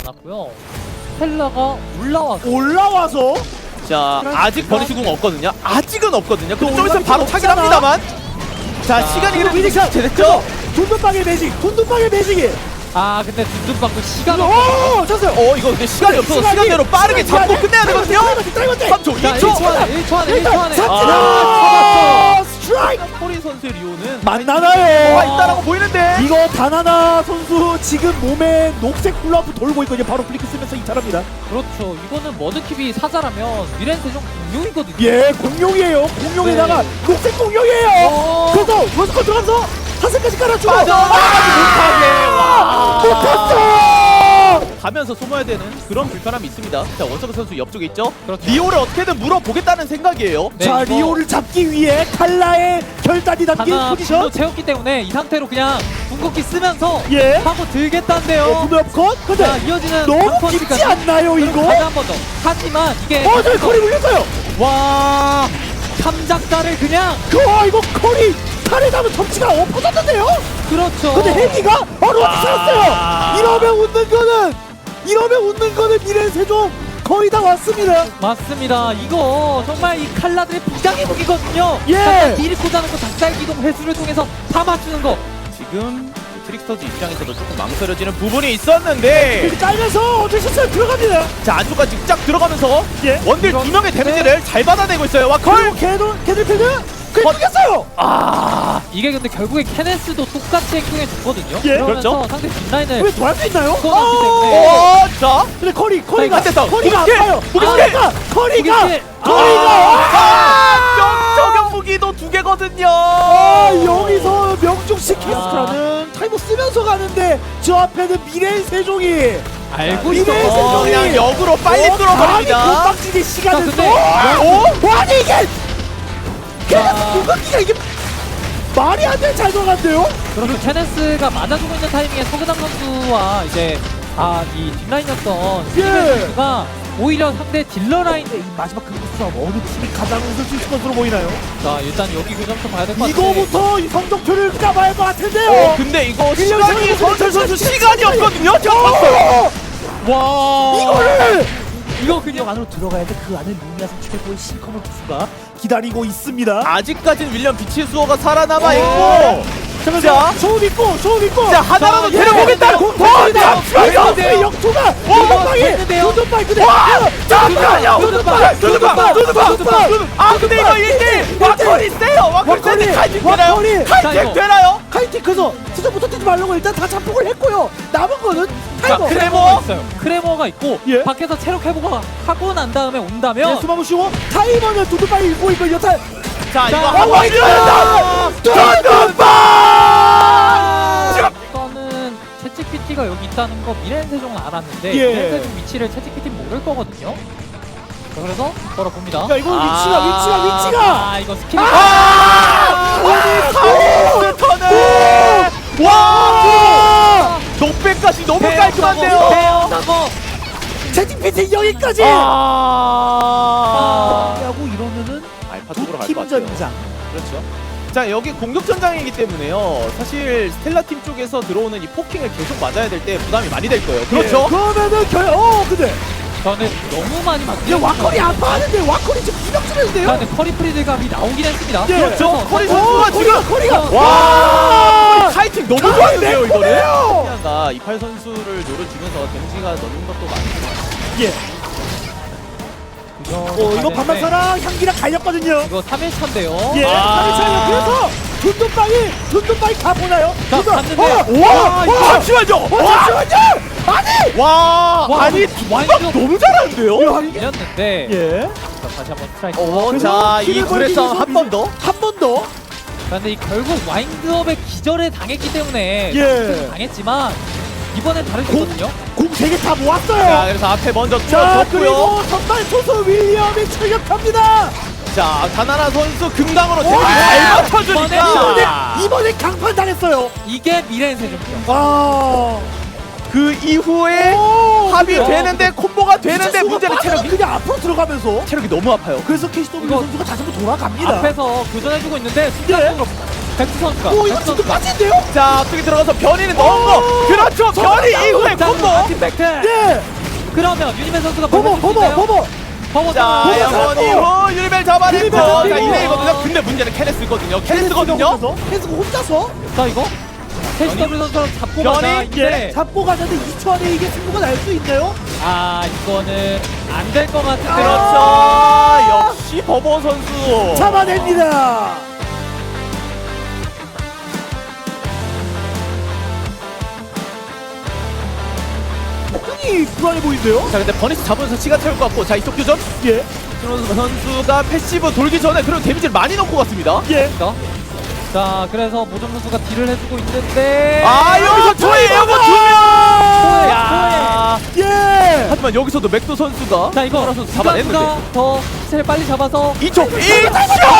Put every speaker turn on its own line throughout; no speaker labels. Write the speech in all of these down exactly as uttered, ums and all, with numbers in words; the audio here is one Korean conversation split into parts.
않았고요. 스텔라가 올라와서
올라와서
자, 아직 버니시 궁 없거든요. 아직은 없거든요. 근데 좀
올라갈
있으면 바로
필요
차긴
없잖아.
합니다만. 자,
자,
시간이
이거
그래도
위니샷
됐죠?
돈돈방의 매직 돈돈방의 매직이
아 근데 둔둔방도 시간 없
오 쳤어요.
어, 이거 근데 시간이 없어서
시간이-
시간대로 빠르게
시간이
잡고
안 돼.
끝내야 되거든요.
딸건데
삼 초,
자,
이 초.
일 초 안에 일 초 안에 일 초
일단
안에
삽니다.
아,
스트라이크
포리 선수의 리오는
만나나요?
와 있다라고 보이는데.
이거 다나나 선수 지금 몸에 녹색 훌라프 돌고 있거든요. 바로 플리크 쓰면서 이탈합니다.
그렇죠. 이거는 머드킵이 사자라면 미렌세 좀 공룡이거든요.
예, 공룡이에요. 공룡에다가
네.
녹색 공룡이에요.
어.
그래서 원스컷 들어가면서 사슬까지 깔아주고
빠져나가지 못하게. 와.
못했어.
가면서 소모해야 되는 그런 불편함이 있습니다. 자, 원서브 선수 옆쪽에 있죠?
그렇죠.
리오를 어떻게든 물어보겠다는 생각이에요.
네,
자,
이거
리오를 잡기 위해 칼라의 결단이 담긴
하나
포지션.
분노 채웠기 때문에 이 상태로 그냥 궁극기 쓰면서
예.
하고 들겠다는데요.
어, 분노 컷. 근데
자, 이어지는
너무
삼퍼스까지.
깊지 않나요,
그리고
이거?
다시 한 번 더. 하지만 이게
어, 저기 커리 물렸어요.
와 삼작자를 그냥
그, 어, 이거 커리 칼에 담은 섭치가 엎어졌는데요.
그렇죠.
근데 헬기가 바로 어디
아.
살았어요. 이러면 웃는 거는 이러면 웃는 거는 미래 세종 거의 다 왔습니다.
맞습니다. 이거 정말 이 칼라들의 비장의 무기거든요.
예.
잠깐 딜이 꽂아놓고 닭살 기동 회수를 통해서 다 맞추는 거.
지금 트릭스터즈 입장에서도 조금 망설여지는 부분이 있었는데
이렇게 깔면서 어쩔 수 없어요. 들어갑니다.
자, 안쪽까지 쫙 들어가면서
예.
원딜 두 명의 데미지를 잘 받아내고 있어요. 와컬!
그리고 걔도 걔들필드 그게
어.
죽였어요.
아 이게 근데 결국에 케네스도 똑같이 행동해 줬거든요.
예.
그러면서
그렇죠.
상대 뒷라인을
왜 돌아갈 수 있나요?
끊어놨기
어.
때문에.
어, 자,
근데 커리 커리가
안 됐어.
커리가
무기스킬!
아파요.
무기스킬!
커리가 커리가
무기스킬!
커리가
아, 명 저격 무기도 두 개거든요.
아, 여기서 명중식
아.
캐스트라는 타이머 쓰면서 가는데 저 앞에는 미래 세종이
알고
미래
있어.
세종이
그냥 역으로 빨리
어,
뚫어버립니다.
감히 건방지게 시간을
자, 근데
또
어?
아니 이게 그냥
자.
궁극기가 이게 말이 안 돼 잘 들어간대요.
그리고 케네스가 맞아주고 있는 타이밍에 서그담 선수와 이제 아 이 뒷라인이었던
예.
스티븐 선수가 오히려 상대 딜러 라인.
이 마지막 그 싸움 어느 팀이 가장 웃을 수 있을 것으로 보이나요?
자 일단 여기 그 점수 봐야 될 것 같은데.
이거부터 이 성적표를 까봐야 할 것 같은데요.
어, 근데 이거 시간이 선철 선수 시간이 없거든요. 제가 봤어요.
와
이거를
이거
그냥
그냥
안으로 들어가야 돼. 그 안에 루미아 선수의 시커먼 투수가 기다리고 있습니다.
아직까지는 윌리엄 비치 수호가 살아남아
어.
있고.
자,
자.
소음 있고 소음 있고.
자, 하나라도
자,
데려보겠다.
예. 공포입니다.
어,
이거
됐는데요.
역투가
됐는데요.
도전파이 근데
와!
잠깐만요.
두두방! 두두방! 두두방!
두두방!
아, 근데 이거 일 대 와커리 세요. 와커리
와커리!
세는데 칼집 되나요?
와커리!
자,
칼집
이거.
되나요?
카이팅크에서 수정부터 뛰지 말라고 일단 다 잡폭을 했고요. 남은 거는
자,
타이머.
크레-
크레모가 있어요. 크레모가 있고
예.
밖에서 체력 회복을 하고 난 다음에
예,
온다면
수마무 쉬고 타이머는 두두바이 읽고 있고 여타
자, 이거
자,
한번
와,
밀어낸다. 두두방!
이거는 채찍피티가 여기 있다는 거 미렌 세종은 알았는데
예.
미렌 세종 위치를 채찍피티 모를 거거든요. 자, 그래서 걸어봅니다.
야 이거 위치가 위치가 위치가
아 이거 스킬이
아! 턴을! 와! 녹백까지 너무 깔끔한데요.
배운다고.
채팅 피팅 여기까지
아!
하고 이러면은
알파
두
쪽으로 갈
팀
것 같아요.
전장.
그렇죠. 자, 여기 공격 전장이기 때문에요. 사실 스텔라 팀 쪽에서 들어오는 이 포킹을 계속 맞아야 될 때 부담이 많이 될 거예요. 그렇죠?
예, 그러면은 결 어 근데
저는 너무 많이 맞.
이제 와커리 아파하는데 와커리 지금 기력주는데요.
근데 커리 프리드감이 나오긴 했습니다.
예.
그렇죠.
그래서
커리
어,
선수가
커리가
지금
커리가
와! 카이팅 너무
가만히
좋았는데요, 이거는.
매콤해요.
가 이팔 선수를 노려주면서 데미지가 넣는 것도 많고.
예.
이거
어 이거 반반사랑 향기랑 갈렸거든요.
이거 삼 일 차인데요.
예.
아.
삼일차예요. 그래서 둔둔빵이 둔둔빵이 가 보나요?
자,
둔둔-
갔는데.
어, 와,
와,
와,
잠시만요.
어, 잠시만요. 아니.
와!
와,
아니,
완전-
두박 너무 잘하는데요?
밀렸는데.
예.
자, 다시 한번 스트라이크.
어,
그래서
자, 이
킬을
구레
벌리기
싸움
위해서
한 번 더.
한 번 더.
근데 이 결국 와인드업의 기절에 당했기 때문에
예.
당했지만 이번엔 다를 수 있거든요.
공 세 개 다
자,
모았어요.
그래서 앞에 먼저
자,
뚫어줬고요.
그리고 선발 투수 윌리엄이 출격합니다.
자, 다나나 선수 금강으로 데미지
와!
잘
이번에
맞춰주니까.
이번에 강판 당했어요.
이게 미래의 세종이요.
아.
그 이후에
오,
합이
근데-
되는데 콤보가 되는데
진짜
문제는
수가
체력이
그냥 앞으로 들어가면서
체력이 너무 아파요.
그래서 케이씨더블유
이거
선수가 다시 한번 돌아갑니다.
앞에서 교전해주고 있는데 순간적으로 백두 선수가.
오 이거
백두
지금
선수가.
빠진대요?
자 앞쪽에 들어가서 변이는 넣은 거. 그렇죠. 변이 이후에
자,
콤보.
아티팩트.
예.
그러면 유니맨 선수가
버버
벌려줄 수
버버
있나요?
버버.
버버
자
버버
영원
잡고.
이후 유리벨 잡아냈고
유리벨
자
잡히고.
이레이거든요. 근데 문제는 케네스거든요. 케네스거든요.
케네스가 혼자서
자 이거 캐시더블 선수랑 잡고
변이?
가자.
예.
이제
잡고 가는데 이 초 안에 이게 승부가 날 수 있나요?
아 이거는 안 될 것 같은데.
그렇죠. 역시 버버 선수.
잡아냅니다. 굉장히 불안해 보이는데요?
자 근데 버니스 잡으면서 시간 채울 것 같고 자 이쪽 교전
예.
신원수 선수가 패시브 돌기 전에 그런 데미지를 많이 넣고 갔습니다.
예.
자, 자 그래서 모정 선수가 딜을 해주고 있는데.
아 여기서 저의 에어건 두 명. 야.
예.
하지만 여기서도 맥도 선수가
자 이거
선수 잡아냈는데
잡아냈는데 더 시체를 빨리 잡아서
이쪽 이쪽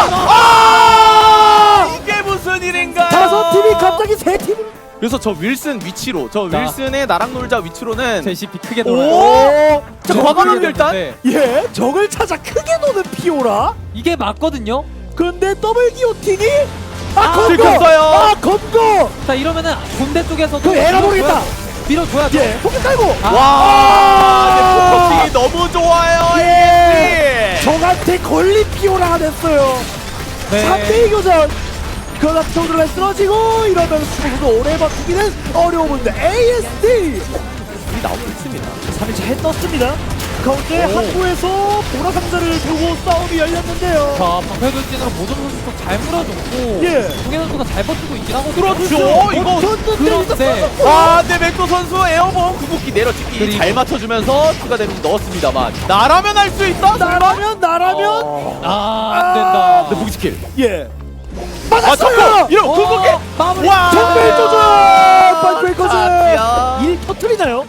아 이게 무슨 일인가요?
다섯 팀이 갑자기 세 팀을.
그래서 저 윌슨 위치로 저
자.
윌슨의 나랑 놀자 위치로는
제시비 크게 놀아요.
오.
자 과감하게 일단
예. 적을 찾아 크게 노는 피오라.
이게 맞거든요.
그런데 더블 기오틴이 아,
아,
검거!
들켰어요.
아, 검거!
자 이러면은 본대 쪽에서도
그 에라 모르겠다.
밀어줘야죠.
예, 포켓 깔고!
아.
와 근데 포커팅이 너무 좋아요.
예! 적한테 걸린 피오라가 됐어요.
네.
삼 대 이 교전! 그러다 피오라가 쓰러지고 이러면 수고도 오래 버티기는 어려운데 에이에스디!
이 나오고 있습니다.
삼 일째 해 떴습니다. 가운데
오.
항구에서 보라 상자를 두고 싸움이 열렸는데요.
자 방패돌진으로 모정 선수도 잘 물어줬고
예.
동해 선수가 잘 버티고 있긴 하거든요.
그렇죠. 이거
그런데
아, 근데 맥도 선수 에어본 궁극기 내려찍기
그리고-
잘 맞춰주면서 추가 데미지 넣었습니다만 나라면 할 수 있어?
나라면 나라면
어.
아 안된다.
근데 무기스킬
예.
아
맞았어요!
잡고 이런
어,
궁극기
마무리.
와
정말 조절! 반브레이커즈!
아,
일 터트리나요?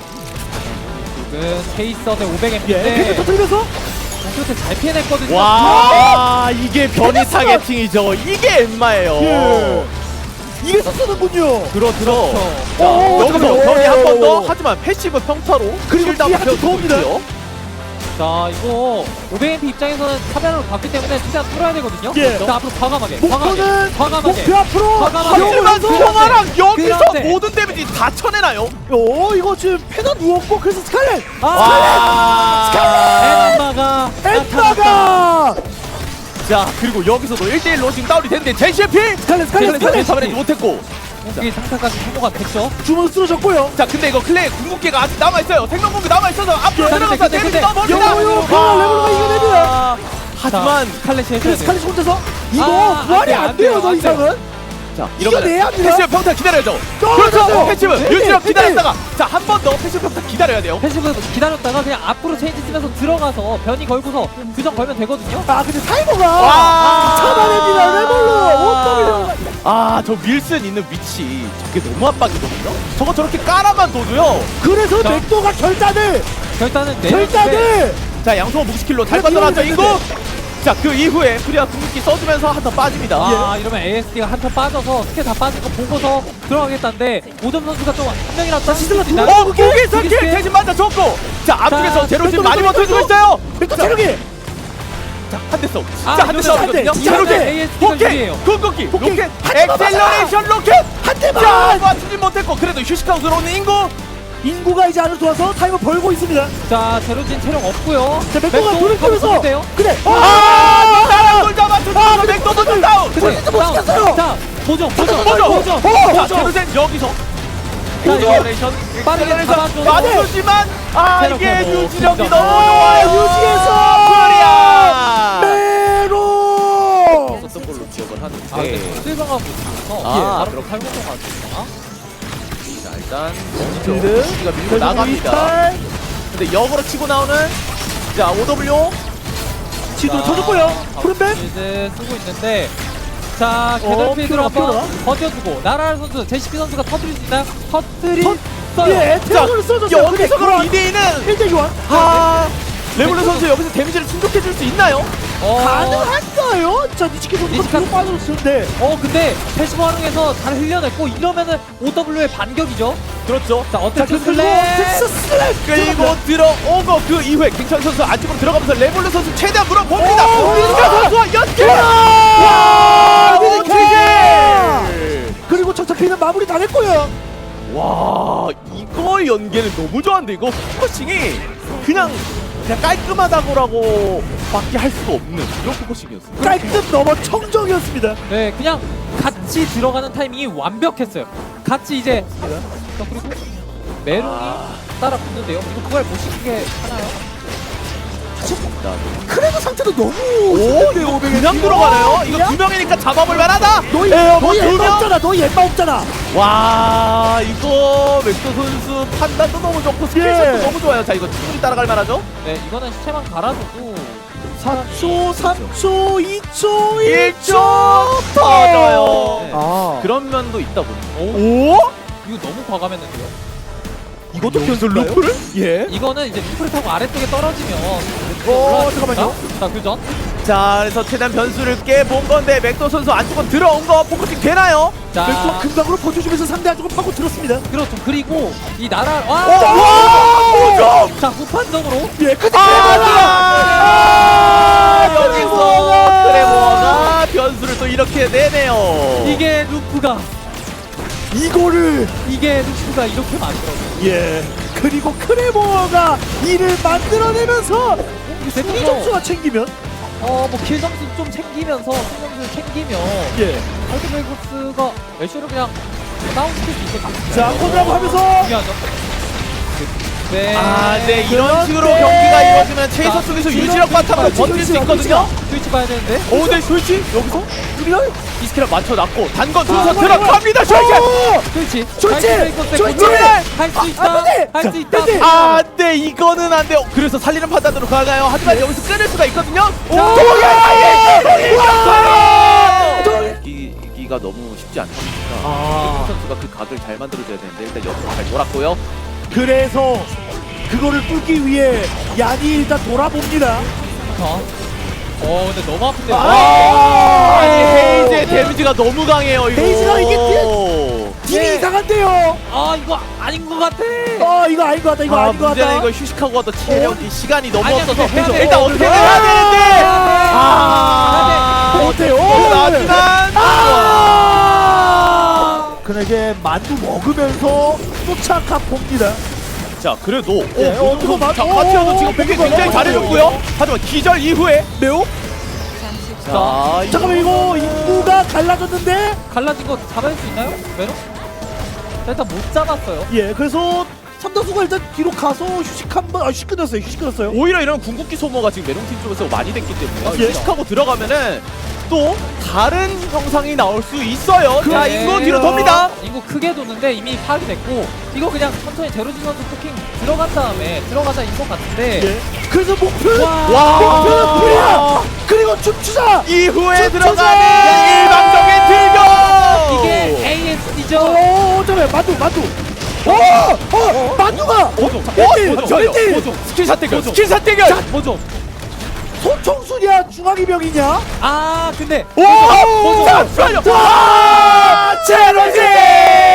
지금 케이스업의 오백
예.
엠피인데
팩트 터트리면서
공격때 잘 피해냈거든요.
와 이게 변이 타겟팅이죠. 이게 엠마예요.
예. 이래서 쓰는군요.
그렇죠.
오,
자, 여기서
잠깐만요.
변이 한 번 더
오.
하지만 패시브 평타로
그리고
실드
뒤에
한번
한번 더 옵니다.
있고요.
자 이거 오백 엠피 입장에서는 사변으로 봤기 때문에 최대한 뚫어야 되거든요.
예.
자 앞으로 과감하게
목표는
과감하게
목표 앞으로.
과감하게.
하지만
그런데-
송아랑 여기서
그런데-
모든 데미지 다 쳐내나요?
오 이거 지금 패가 누웠고 그래서 스칼렛.
아
와.
엠마가
엠마가
자 그리고 여기서도 일 대 일로 지금 다운이 됐는데 제시피
스칼렛 스칼렛 스칼렛
잡아내지 못했고
공격이 상타까지 성공가 됐죠.
주문 쓰러졌고요.
자 근데 이거 클레이 궁극기가 아직 남아있어요. 생명궁기 남아있어서 앞으로
자, 근데,
들어가서
근데,
데미지
근데
넣어봅니다.
요요 클라 레벨로가 이겨냅니다.
하지만
칼렛이 해줘야
그래서
돼.
스칼렛 혼자서 이거
아,
부활이
안
안
돼요,
돼요 더
안 돼요.
이상은.
자
이겨내야
이러면
합니다.
패시브 평타 기다려야죠.
떨어졌어요.
그렇죠. 패시브
네,
유지력
네,
기다렸다가 자 한 번 더 패시브 평타 기다려야 돼요.
패시브 기다렸다가 그냥 앞으로 체인지 쓰면서 들어가서 변이 걸고서 규정 걸면 되거든요.
아 근데 타이머가
와.
잡아냅니다. 레벨로 오점이요.
아저 윌슨 있는 위치 저게 너무 압박이거든요. 저거 저렇게 깔아만 둬도요.
그래서
자.
맥도가 결단을
결단은 내렸는데
결단을
자 양성호 무기스킬로 잘
그래도
빠져나왔죠
이기면
인구. 자 그 이후에 프리아 궁극기 써주면서 한 턴 빠집니다.
아 이러면 에이에스디가 한 턴 빠져서 스킬 다 빠진 거 보고서 들어가겠다는데 오점 선수가 좀 한 명이라도
시슬러
수 있나요?
들어가.
어 무기스킬
무기스킬.
대신 맞아줬고 자 앞쪽에서
자,
제로진
맥도,
많이
맥도,
버텨주고
맥도.
있어요.
맥도
자,
체력이
자, 한 대 써.
아,
자, 한 대
이거는
싸우거든요.
한 대,
자,
한 대.
로켓,
에이에스디가
로켓,
유리해요.
궁극기,
로켓,
로켓,
한 대만
엑셀러레이션 로켓.
한
자,
대만
맞추지 못했고 그래도 휴식하고 들어오는 인구.
인구가 이제 안으로 들어와서 타이머 벌고 있습니다.
자 제로진 체력 없고요.
자 맥도가
맥도
돌을 끄면서
돼요.
그래
아, 나랑 돌 잡아주고
아,
맥도도 다운.
근데
포인트 못
다운.
시켰어요.
자 보정 보정
보정.
보정
어,
자,
보정.
제로젠 여기서.
자,
엑셀러레이션,
빠르게
엑셀러레이션
잡아줘서.
맞추지만 아
체력
이게
회복,
유지력이
진짜.
너무
아,
좋아요.
유지해서
프리아.
메로
어떤 걸로 기억을 하는데.
아 근데 실망하고 있어서
아,
바로 팔고 가지고
자 일단
빌드.
우리가 밀고 나갑니다. 근데 역으로 치고 나오는 자 오더블유
지도 쳐줬고요. 푸른뱀
이제 쓰고 있는데 자
어,
개덜필드로
피오라,
한번
피오라.
버텨주고 나라를 선수 제시피 선수가 터뜨릴 수 있나요? 터뜨리
터-
써요.
예, 태양을 써줬어요.
여기서 그럼 이 대 이는
일 대 교환
아 레블루 선수 여기서 데미지를 충족해줄 수 있나요?
어,
가능한가요? 자 니치키 선수가
니치카
뒤로 빠졌는데
어 근데 패시브 활용해서 잘 흘려냈고 이러면은 오더블유의 반격이죠.
그렇죠.
자
자,
어택트
그리고
슬랩.
텍사스 슬랩
끌고 들어온 거 그 이후에 김찬 선수 안쪽으로 들어가면서 레볼루 선수 최대한 물어봅니다.
오,
미니카 선수와 연결.
와,
미니카!
그리고 정착피는 마무리 다 했고요.
와 이거 연계는 너무 좋았는데 이거 포커싱이 그냥 그냥 깔끔하다고라고 밖에 할 수가 없는 그런 포커싱이었어요.
깔끔 넘어 청정이었습니다.
네, 그냥 같이 들어가는 타이밍이 완벽했어요. 같이 이제 자, 그리고 메롱이 따라 붙는데요. 이거 그걸 못 시키게 하나요?
크레드 상태도 너무
오
좋은데,
이거
오백에
그냥
지금?
들어가네요. 이거
그냥?
두 명이니까 잡아볼 만하다.
너희
에어
너희
두
엠마
명.
없잖아. 너희 엠마 없잖아.
와 이거 맥도 선수 판단도 너무 좋고 스킬샷도
예.
너무 좋아요. 자 이거 충분히 따라갈 만하죠?
네, 이거는 시체만 갈아줘도
사 초, 삼 초, 이 초, 일 초.
일 초 터져요.
네.
아,
그런 면도 있다 보니.
오,
오?
이거 너무 과감했는데요.
이것도 변수 루프를? 예.
이거는 이제 루프를 타고 아래쪽에 떨어지면
어, 잠깐만요.
자, 교전.
자 그래서 최대한 변수를 깨본 건데 맥도 선수 안쪽으로 들어온 거 포커싱 되나요?
자,
또 금방으로 버텨주면서 상대 안쪽을 파고 들었습니다.
그렇죠. 그리고 이 나라 와!
와! 오점!
자, 후판적으로
예, 끝이
아! 여기서 크레모가 변수를 또 이렇게 내네요.
이게 루프가
이거를
이게 루프가 이렇게 만들어요.
예. 그리고 크레모어가 이를 만들어내면서 순위 점수가 챙기면
어, 뭐 킬 점수 좀 챙기면서 승 점수를 챙기면
예.
알트베이거스가 애쉬를 그냥 다운시킬 수 있을 것 같아요.
자, 콘드라고 하면서
중요하죠. 네.
아, 네 이런
그런데-
식으로 경기가 이루어지면 체이서
자,
쪽에서
이런
유지력 바탕으로
스위치가,
버틸 수
스위치가,
있거든요.
스위치 봐야 되는데.
오, 네 솔직 여기서
우리가
이 스킬을 맞춰놨고 단건
아,
순서
이거야,
들어갑니다. 솔직.
오!
스위치.
스위치! 스위치!
할수 있다.
안 돼!
할
자,
수 있다.
안 돼!
아, 네 이거는 안 돼요. 그래서 살리는 판단으로 가나요? 하지만 여기서 끊을 수가 있거든요. 오,
자,
이기가 너무 쉽지 않습니다.
아.
선수가 그 각을 잘 만들어줘야 되는데 일단 옆으로 잘 돌았고요.
그래서 그거를 뚫기 위해 얀이 일단 돌아봅니다.
어, 어, 근데 너무 아픈데요.
아!
아니 헤이즈의 데미지가 너무 강해요. 이거.
헤이즈가 이게 딜- 딜이
네.
이상한데요.
아, 이거 아닌 것 같아.
어, 이거 아닌 것 같다. 이거
아,
아닌 것
문제는
같다.
이거 휴식하고 와도 체력이 시간이 너무
아니야,
없어서
근데 해야 돼.
일단
어,
어떻게
그래.
해야 되는데
아,
아
어때요?
하지만
아! 그에게 만두 먹으면서 쫓아가 봅니다.
자 그래도
예,
오,
어, 그거 맞-
자
어,
파티어도
어,
지금
어,
되게
그거
굉장히
맞아요.
잘해줬고요. 하지만 기절 이후에
매우?
자
잠깐만, 이거 인구가 갈라졌는데?
갈라진 거 잡을 수 있나요? 메롱? 자, 일단 못 잡았어요.
예, 그래서 삼다수가 일단 뒤로 가서 휴식 한 번, 아, 휴식 끊었어요. 휴식 끊었어요.
오히려 이런 궁극기 소모가 지금 메롱팀 쪽에서 많이 됐기 때문에
예.
휴식하고 들어가면은 또 다른 형상이 나올 수 있어요. 자
네.
인구 뒤로 돕니다.
인구 크게 도는데 이미 파악이 됐고 이거 그냥 천천히 제로진 선수 포킹 들어간 다음에 들어가자인 것 같은데
예. 그래서 목표는
와.
목표는 프리야. 그리고 춤추자.
이후에
저-
들어가는
저자!
일방적인 딜교.
이게 에이에스디죠.
오, 잠깐만, 만두, 만두. 오, 어, 만두가.
보조,
일 대 일,
보조,
일 대 일.
보조. 스킬샷 대결,
보조.
스킬샷 대결.
뭐죠?
소총수냐, 중앙이병이냐?
아 근데
오,
보조.
잠시만요. 와, 제로지.